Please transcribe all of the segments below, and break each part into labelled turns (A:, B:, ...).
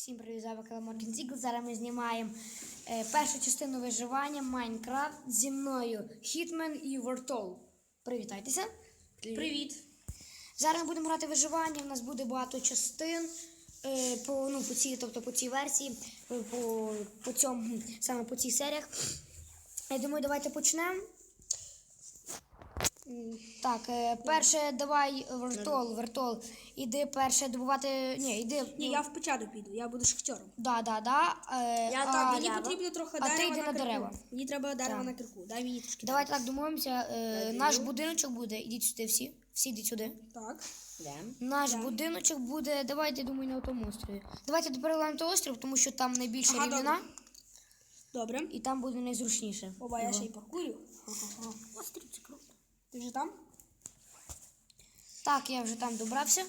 A: Всім привіт, з вами Моркін Зігл. Зараз ми знімаємо першу частину виживання Майнкрафт зі мною Хітмен і Вортол. Привітайтеся.
B: Привіт.
A: Зараз ми будемо грати виживання, у нас буде багато частин по цій версії, саме по цій серіях. Я думаю, давайте почнемо. Так, перше давай, Вертол, іди перше добувати,
B: Ні, я в печатку піду, я буду шахтером.
A: Мені
B: потрібно трохи
A: дерева. А ти
B: дерева
A: йди на дерева.
B: Мені треба дерева
A: Так.
B: на кирку, дай мені трошки.
A: Давайте так домовимося, наш будиночок буде, ідіть сюди всі йдіть сюди.
B: Так.
A: Наш будиночок буде, давайте, думаю, на тому острові. Давайте переливаємо той острів, тому що там найбільша рівнина.
B: Добре.
A: І там буде найзручніше.
B: Оба, я ще й паркурю. Острів, це круто. Ти вже там?
A: Так, я вже там добрався.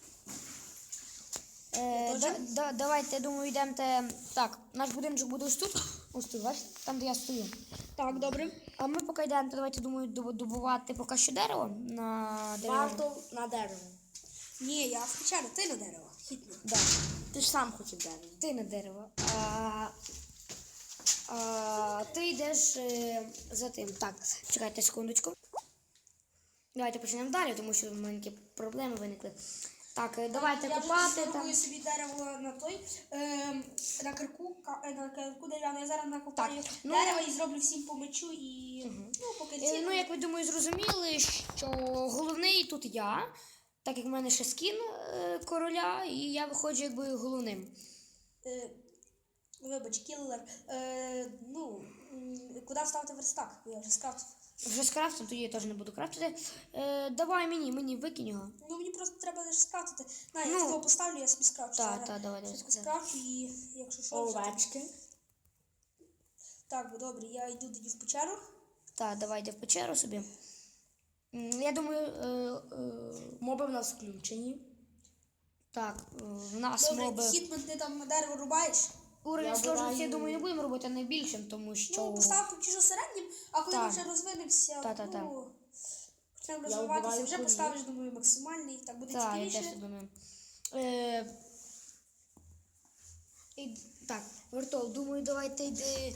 A: Давайте, я думаю, йдемо. Так, наш будиночок буде ось тут. Ось тут, бачите? Там, де я стою.
B: Так, добре.
A: А ми поки йдемо, то давайте, думаю, добувати поки що дерево на дерево.
C: Вартол на дерево.
B: Ні, я в печатку, ти на дерево. Хитно.
A: Да.
C: Ти ж сам хотів дерево.
A: Ти на дерево. Ти йдеш за тим. Так, чекайте секундочку. Давайте почнемо далі, тому що в мене які проблеми виникли. Так, давайте копати.
B: Я вже собі дерево на той, на кирку дерев'яну. Я зараз накопаю дерево і зроблю всім по мечу і по кирці.
A: Як ви, думаю, зрозуміли, що головний тут я, так як в мене ще скін короля, і я виходжу якби головним.
B: Вибач, кіллер. Куди ставити верстак? Я вже скрафтив.
A: Вже скрафтив, тоді я теж не буду крафтити. Давай мені викинь його.
B: Мені просто треба лише скрафтити. Я його поставлю, я собі скрафчу.
A: Давай.
B: Скрафчу і якщо що...
C: Овечки.
B: Так, добре, я йду тоді в печеру.
A: Так, давайте в печеру собі. Я думаю...
C: Моби в нас включені.
A: Так, в нас моби...
B: Добре, Хітмен, ти там дерево рубаєш?
A: Уровень сложності, я думаю, не будемо робити найбільшим, тому що...
B: Постав поки що середнім, а коли ми вже розвинемося, почнемо розвиватися, вже поставиш, думаю, максимальний, так буде цікавіше.
A: Так, я теж думаю. Так, Вертол, думаю, давайте йди...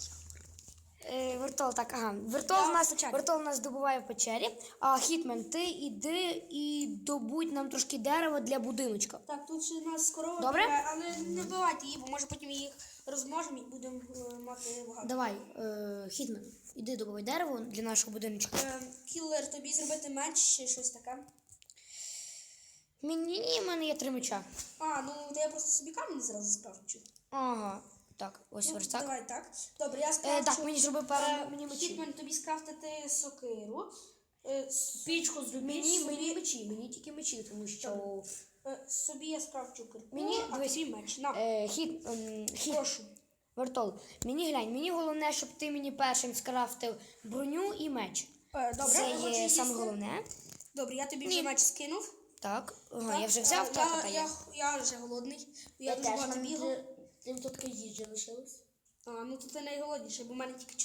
A: Вертол нас добуває в печері, а Хітмен, ти іди і добудь нам трошки дерева для будиночка.
B: Так, тут ще у нас корова,
A: Добре?
B: але не вбивайте її, бо може потім їх розмножимо і будемо мати багато.
A: Давай, Хітмен, іди добувай дерево для нашого будиночка.
B: Кіллер, тобі зробити меч чи щось таке?
A: Ні, в мене є 3 меча.
B: То я просто собі камінь зразу скрафчу.
A: Ага, так, ось верстак.
B: Давай так. Добре, я скрафчу.
A: Так, мені зроби пару мечі.
B: Хітмен, тобі скрафтити сокиру.
C: Пічку зробіть.
A: Мені тільки мечі, тому що...
B: Собі я скрафчу кирку,
A: Дивись,
B: тобі меч. На.
A: Прошу. Вертол, мені головне, щоб ти мені першим скрафтив броню і меч.
B: Добре,
A: Це є саме головне.
B: Добре, я тобі вже меч скинув.
A: Так, я вже взяв,
B: Я вже голодний. Я дуже
C: теж,
B: багато бігав.
C: Тим тут їжі лишилось.
B: То ти найголодніший, бо в мене тільки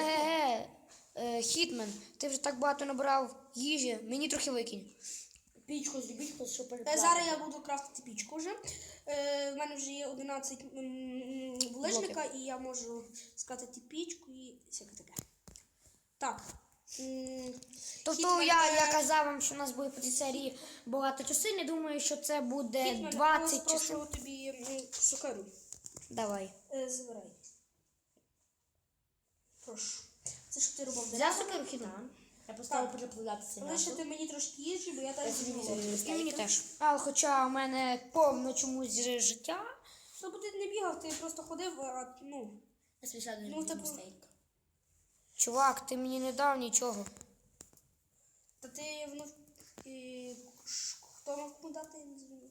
B: 4
A: Хітмен, ти вже так багато набрав їжі, мені трохи викинь.
C: Пічку зробіть, щоб переплавити.
B: Зараз я буду крафтити пічку вже. В мене вже є 11 булижника, і я можу скрафтити пічку і всяке таке. Так.
A: Тобто я казав вам, що у нас буде по цій серії багато частин, я думаю, що це буде 20 частин.
B: Прошу тобі сокиру.
A: Давай.
B: Забирай. Прошу. Це ж ти робив
A: Взяв сокиру, Хітмен?
C: Я поставив переплавлятися.
B: Лишити мені трошки їжі, бо я теж
A: І мені теж. Але хоча у мене повно чомусь життя.
B: бо ти не бігав, ти просто ходив,
C: Я собі сяду
B: типу,
C: стейк.
A: Чувак, ти мені не дав нічого.
B: Та ти, хто мав кому дати, я не знаю.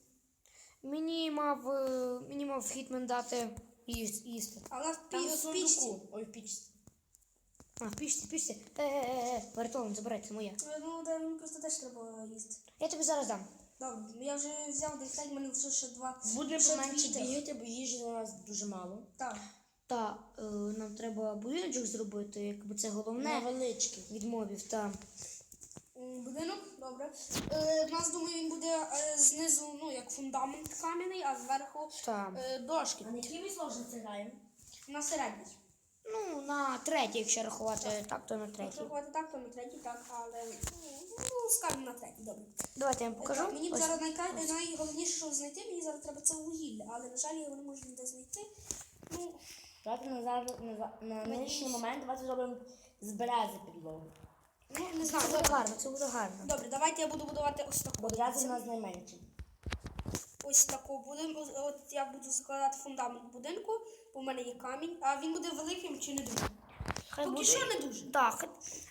A: Мені мав Хітмен дати їсти.
B: А вона
C: Там в
B: в пічці.
C: сундуку. Ой, в пічці.
A: В пічці. Вертолом, забирай, це моє.
B: Мені просто теж треба їсти.
A: Я тобі зараз дам.
B: Добре, я вже взяв десь, в мене лише ще 2.
C: Будемо поменше бігати, бо їжі у нас дуже мало.
B: Так.
A: Нам треба будиночок зробити, якби це головне
C: Невеличкий.
A: від мобів.
B: Будинок, добре. У нас, думаю, він буде знизу, ну, як фундамент кам'яний, а зверху
A: Так.
B: дошки.
C: А на якій ми сложності граємо?
B: На середній.
A: Ну, на третій, якщо рахувати так, то на
B: Якщо
A: третій.
B: рахувати так, то на третій, так, але ну, скажемо на третій, добре.
A: Давайте я вам покажу.
B: Так, мені б
A: Ось.
B: зараз найголовніше, що знайти, мені зараз треба це вугілля, але, на жаль, я його не можу ніде знайти. Ну,
C: Давайте на нинішній момент давайте зробимо з берези підлогу.
B: не знаю,
A: Це буде
B: добре.
A: гарно, це буде гарно.
B: Добре, давайте я буду будувати ось таку.
C: Бо берези в нас найменші.
B: Ось таку будинку. От я буду закладати фундамент будинку, бо в мене є камінь, а він буде великим чи не дуже?
A: Хай
B: Поки
A: буде.
B: що не дуже.
A: Так.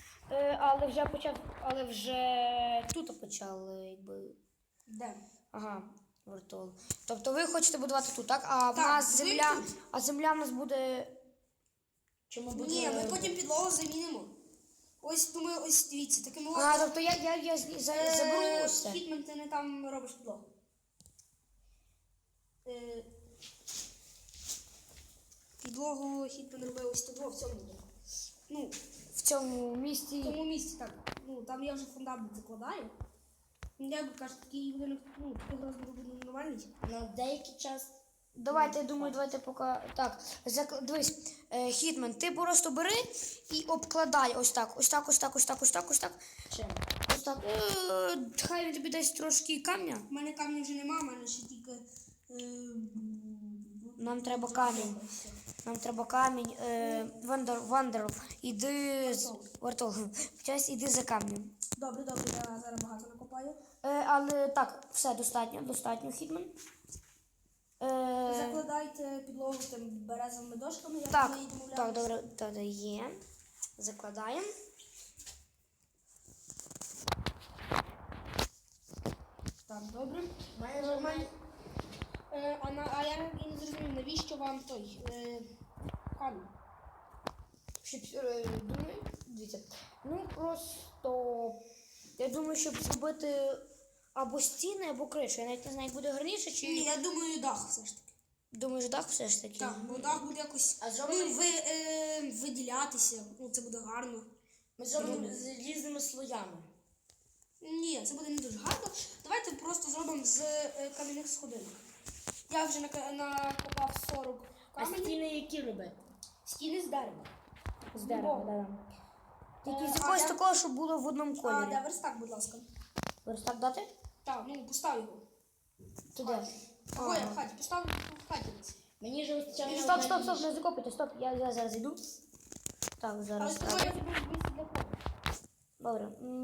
A: Але вже тут почали, якби.
B: Де?
A: Ага, вертол. Тобто ви хочете будувати тут, так? А в
B: Так,
A: нас
B: ви
A: земля.
B: тут.
A: А земля в нас буде.
C: Чому буде?
B: Ні, ми потім підлогу замінимо. Ось, думаю, ось дивіться, такими
A: А, тобто я заберу ось це.
B: Хітмен, ти не там робиш підлогу. Підлогу Хітмен робив ось тут, в цьому. Ну,
A: В цьому
B: в
A: місці.
B: тому місці, так. Ну, там я вже фундамент закладаю. Ну, як би кажуть, такий будинок, ну, такий розмір буде нормальний.
C: На деякий час.
A: Давайте, я думаю, давайте поки. Так, дивись, Хітмен, ти просто бери і обкладай ось так, ось так, ось так, ось так, ось так, ось так.
C: Чим?
A: Ось так. Хай він тобі дасть трошки камня.
B: У мене камня вже нема, у мене ще тільки.
A: Нам треба камінь. Нам треба камінь. Вандерл, іди з Вартол. Час іди за камнем.
B: Добре, добре, я зараз багато накопаю.
A: Але так, все достатньо, Хітмен.
B: Закладайте підлогу тим березовими дошками, як
A: Так,
B: ми і домовлялися.
A: так, добре, тоді є. Закладаємо.
B: Так, добре.
C: Має нормально.
B: А я і не зрозумів, навіщо вам той камінь?
A: Думаю, дивіться. Ну просто я думаю, щоб зробити або стіни, або кришу. Я навіть не знаю, як буде гарніше, чи
B: Ні, я думаю, дах все ж таки.
A: думаєш, дах все ж таки.
B: Так, бо дах буде якось
C: А зробимо-
B: виділятися, ну це буде гарно.
C: Ми зробимо з різними слоями.
B: Ні, це буде не дуже гарно. Давайте просто зробимо з кам'яних сходинок. Я вже накопав 40
C: А
B: каменів.
C: стіни які робити?
B: Стіни з дерева.
A: З дерева, да. Тільки з
B: А
A: якогось
B: де-
A: такого, щоб було в одному
B: А
A: кольорі.
B: де верстак, будь ласка?
A: Верстак дати?
B: Так, ну постав його.
A: Туди.
B: Ой, в хаті, постав в хаті.
C: Мені ж вистачає.
A: Стоп, не закопуйте, стоп. Я зараз йду. Так,
B: Але
A: зараз.
B: з тобою я тобі місце для кого?
A: Добре.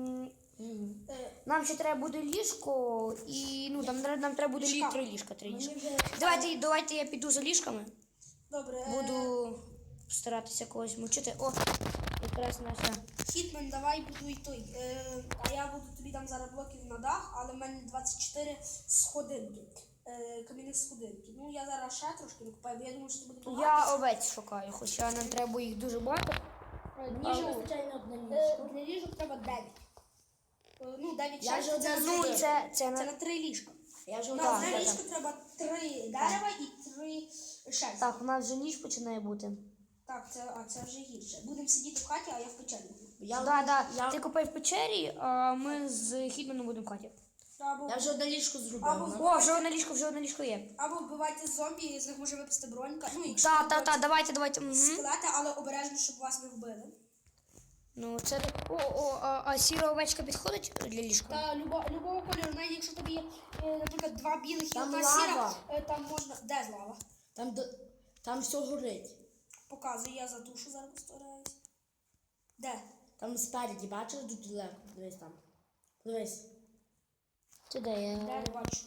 A: Нам ще треба буде ліжко і ну нам треба буде
B: Ліжка.
A: 3 ліжка. 3 ліжка.
B: Мені вже...
A: Давайте я піду за ліжками.
B: Добре.
A: Буду старатися когось мучити. О, якраз наша.
B: Хітмен, давай будуй той. А я буду тобі там зараз блоків на дах, але в мене 24 сходинки. Кам'яних сходинки. Ну я зараз ще трошки накопаю, бо я думаю, що це буде багато.
A: Я овець шукаю, хоча нам треба їх дуже багато.
C: Мені ж вистачає на одне ліжко.
B: Для ліжок треба 9. Ну, 9
C: Я вже
B: це,
C: одне
A: Ну,
C: зробив.
A: це
B: це
A: на
B: на 3 ліжка.
C: Я вже
B: На
A: Так,
B: одне
A: так,
B: ліжко треба 3 дерева і 3 шерсті.
A: так, у нас вже ніч починає бути.
B: Так, це вже гірше. Будемо сидіти в хаті, а я в печері.
A: Да. Ти купай в печері, а ми з Хітменом будемо в хаті.
B: Або,
C: Я вже одне ліжко зробив.
B: Або-
C: ну.
A: О, вже одне ліжко є.
B: або вбивайте зомбі, з них може випасти бронька. Ну, якщо
A: Та, давайте. Мгм.
B: скелети, але обережно, щоб вас не вбили.
A: Ну, це так. А сіра овечка підходить для ліжка?
B: Та любого кольору, навіть якщо тобі є, наприклад, 2 білих і
C: Там
B: одна
C: лава.
B: сіра, там можна. Де лава?
C: Там все горить.
B: Показую, я затушу, зараз постараюсь. Де?
C: Там спереді, бачиш, тут далеко. Дивись там. Дивись.
A: Це де я?
B: Де не бачу.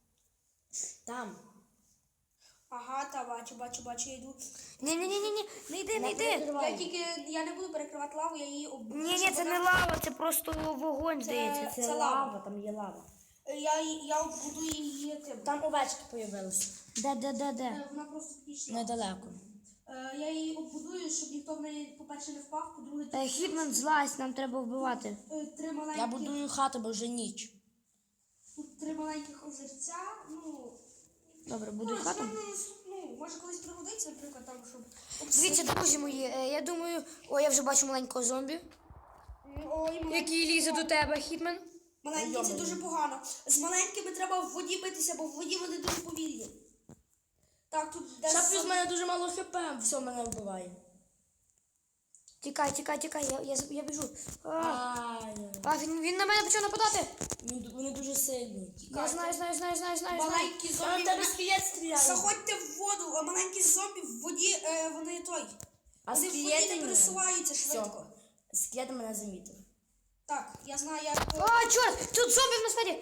C: Там.
B: Ага, та бачу, я йду.
A: Ні, не йди.
B: Я не буду перекривати лаву, я її оббуду.
A: Ні, це не лава, це просто вогонь, здається.
B: Це лава.
C: там є лава.
B: Я оббуду її тим.
C: Там овечки появилися.
A: Де?
B: Вона просто пішла.
C: Недалеко.
B: Я її оббудую, щоб ніхто в неї, по-перше, не впав, по-друге, тут
A: Хітмен злазь, нам треба вбивати.
B: 3 маленькі.
C: Я будую хату, бо вже ніч.
B: Тут 3 маленьких озерця, ну.
A: Добре, буду хату.
B: Ну, може колись пригодиться, наприклад, там, щоб.
A: Дивіться, друзі мої, я думаю, я вже бачу маленького зомбі.
B: Ой,
A: Який лізе до тебе, Хітмен?
B: маленькі це дуже погано. З маленькими треба в воді битися, бо в воді вони дуже повільні. Так, тут
C: Ще
B: десь...
C: плюс в мене дуже мало хп, все мене вбиває.
A: Тікай, я біжу.
C: Ай,
A: Він на мене почав нападати.
C: вони дуже сильні.
A: Я знаю.
B: Маленькі
C: А на
B: зомбі...
C: тебе скелет стріляє.
B: Заходьте в воду, а маленькі зомбі в воді, вони той.
C: А
B: Вони в воді
C: скелети
B: не пересуваються швидко.
C: Скелет мене замітив.
B: Так, я знаю, як
A: А, чорт, тут зомбі в нас спереді.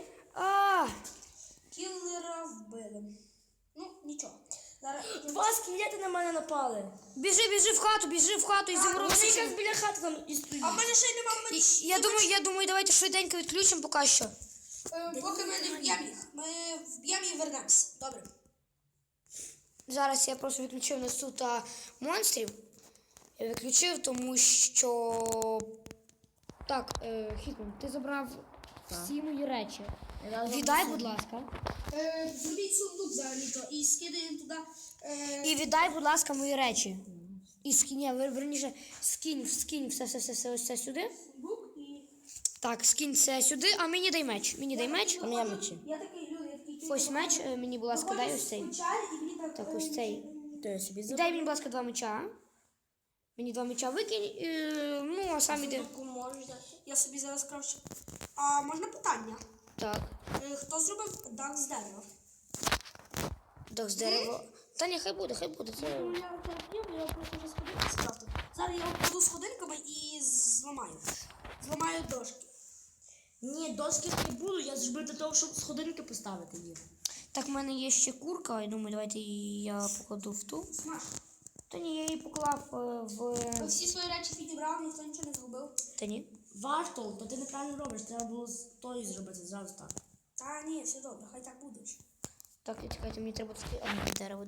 B: кіллера вбили. Ну, нічого. Зараз...
C: Два скелети на мене напали.
A: Біжи в хату і
C: Вони
A: заморозися.
C: якраз біля хати там і стоїть.
B: А в мене ще й нема мечів.
A: Я думаю, давайте швиденько відключимо поки що.
B: Поки ми не вб'ємо їх. Ми вб'ємо і вернемось. Добре.
A: Зараз я просто відключив нас тут монстрів. Я відключив, тому що... Так, Хітман, ти забрав всі мої речі. Віддай, будь ласка.
B: Зробіть сундук взагалі-то і скидаємо туди.
A: І віддай, будь ласка, мої речі. І верніше, скинь все сюди.
B: Сундук і...
A: Так, скинь це сюди, а мені дай меч. Мені дай меч.
C: У мене мечі.
B: Я такий люблю, я такий...
A: Ось меч, мені, будь ласка, дай ось цей. Так, ось цей.
C: То я собі
A: Дай мені, будь ласка, 2 меча. Мені 2 меча викинь, ну, а сам іди.
C: можеш дати.
B: Я собі зараз кравчу. А можна питання?
A: Так,
B: Хто зробив дах з дерева?
A: дах з дерева. Та ні, хай буде, це...
B: Ну, я просто вже сходинки скрафтив. Зараз я обкладу сходинками і зламаю. Зламаю дошки.
C: Ні, доски не буду, я зроблю для того, щоб сходинки поставити їх.
A: Так, в мене є ще курка, я думаю, давайте її я покладу в ту.
B: Смаж.
A: Та ні, я її поклав
B: Ви всі свої речі підібрали, ніхто нічого не зробив.
A: Та ні.
C: Варто, то ти неправильно робиш, треба було з тої зробити зразу так.
B: Та ні, все добре, хай так буде.
A: Так, чекайте, мені треба трошки... дерево.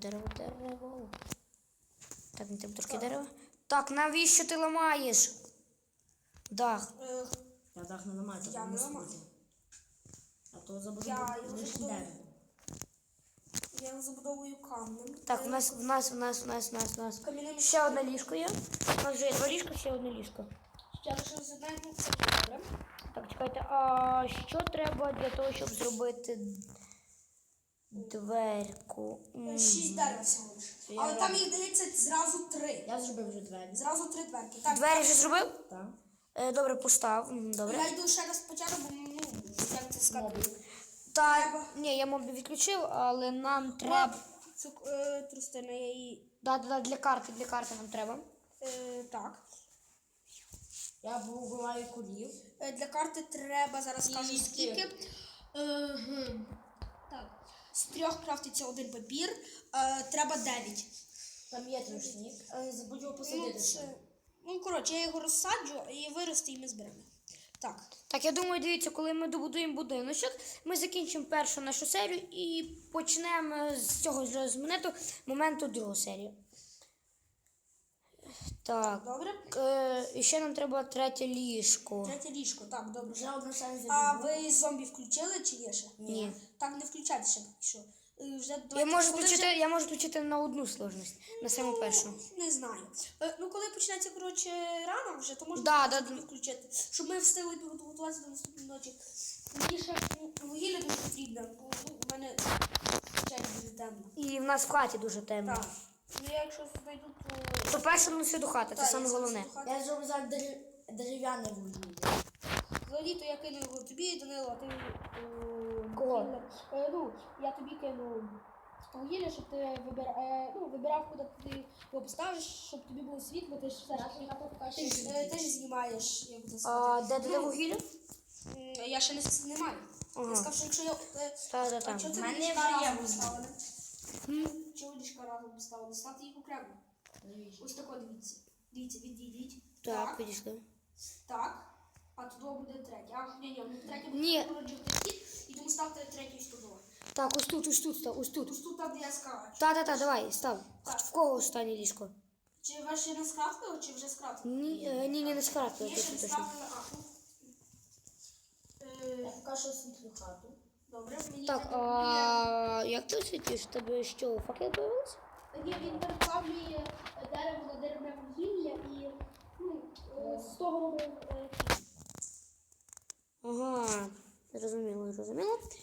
A: Так, мені треба трошки дерева. Так, навіщо ти ламаєш? Дах.
C: Я так не ламаю,
B: Я
C: так
B: не
C: не
B: ламаю.
C: сходить. А то забуду
B: Я його
C: лише
B: забуду.
C: дерево.
B: Я його забудовую камнем.
A: Так, в нас.
B: Кам'яним.
A: Ще одне ліжко є. У нас вже є 2 ліжка, ще одне ліжко.
B: Ще лишилось одне, ну це добре.
A: Так, чекайте, а що треба для того, щоб зробити дверку?
B: 6 дерев всього лиш. Але там їх дається зразу 3.
C: Я зробив вже двері.
B: Зразу 3 дверки. Так,
A: Двері вже зробив?
C: Так.
A: Добре, постав. Добре.
B: я йду ще раз початку, бо ну, як це сказати.
A: Та, ні, я мобі відключив, але нам треба...
B: Трустина, я її...
A: Да, для карти нам треба.
B: Так.
C: Я вбиваю курів.
B: Для карти треба, зараз скажу
C: І
B: скільки. Так. З 3 крафтиться 1 папір. Треба 9.
C: Там є трушник, але не забудь його посадити.
B: Ну, коротше, я його розсаджу і виросте, і ми зберемо. Так.
A: Так, я думаю, дивіться, коли ми добудуємо будиночок, ми закінчимо першу нашу серію і почнемо з цього ж з моменту другу серію. Так.
B: Добре?
A: І ще нам треба 3 ліжко.
B: 3 ліжко, так, добре.
C: Вже одна шанс
B: А ви зомбі включили чи є ще?
A: Ні.
B: Так, не включайте ще поки що. Вже
A: Я
B: давайте,
A: можу
B: коли
A: включити на одну сложність, на саму першу.
B: Не знаю. Ну, коли почнеться, коротше, рано вже, то можна
A: Да.
B: включити. Щоб ми встигли підготуватися до наступної ночі. Мені ще вугілля дуже потрібно, бо в мене чай дуже темно.
A: І в нас в хаті дуже темно.
B: Так. Ну, я якщо знайду, то...
A: То перше носити до хати, це
B: Так,
A: саме
B: я
A: головне.
B: зараз
C: Я зроблю зараз дерев'яне вугілля.
B: взагалі, то я кину його тобі, Данило, а ти...
A: Кого?
B: вугілля. Ну, я тобі кину вугілля, щоб ти вибирав, куди ти його поставиш, щоб тобі було світло, ти ж все ж ти ж знімаєш, як це
A: А
B: сказати.
A: де вугілля?
B: Я ще не маю.
A: Ага.
B: Я сказав, що якщо я...
A: Та.
B: Чого це
C: В мене
B: ліжка
C: вже є
B: разом
C: вугілля.
B: поставили? Чого ліжка разом поставили? Ставте їх окремо. Ось тако, дивіться. Дивіться, відійдіть.
A: Так, підійшли.
B: Так. А туди буде третя. А, ні, третя
A: Ні.
B: буде породжувати хід, і тому ставте третю із туди.
A: Так, ось тут став, ось тут.
B: Ось тут там, де я скажу.
A: Та, давай, став.
B: Так.
A: В кого останнє ліжко?
B: Чи ви ще не скрафтили, чи вже скрафтили?
A: Ні, не скрафтили,
B: Є ще не
A: точно.
B: скрафтили,
C: Я поки що освітлю хату.
B: Добре, мені
A: Так,
B: треба
A: як ти освітлюєш? В тебе що, факел появився?
B: Ні, він переплавлює дерево на деревне вугілля і з того робив
A: Ага, зрозуміло.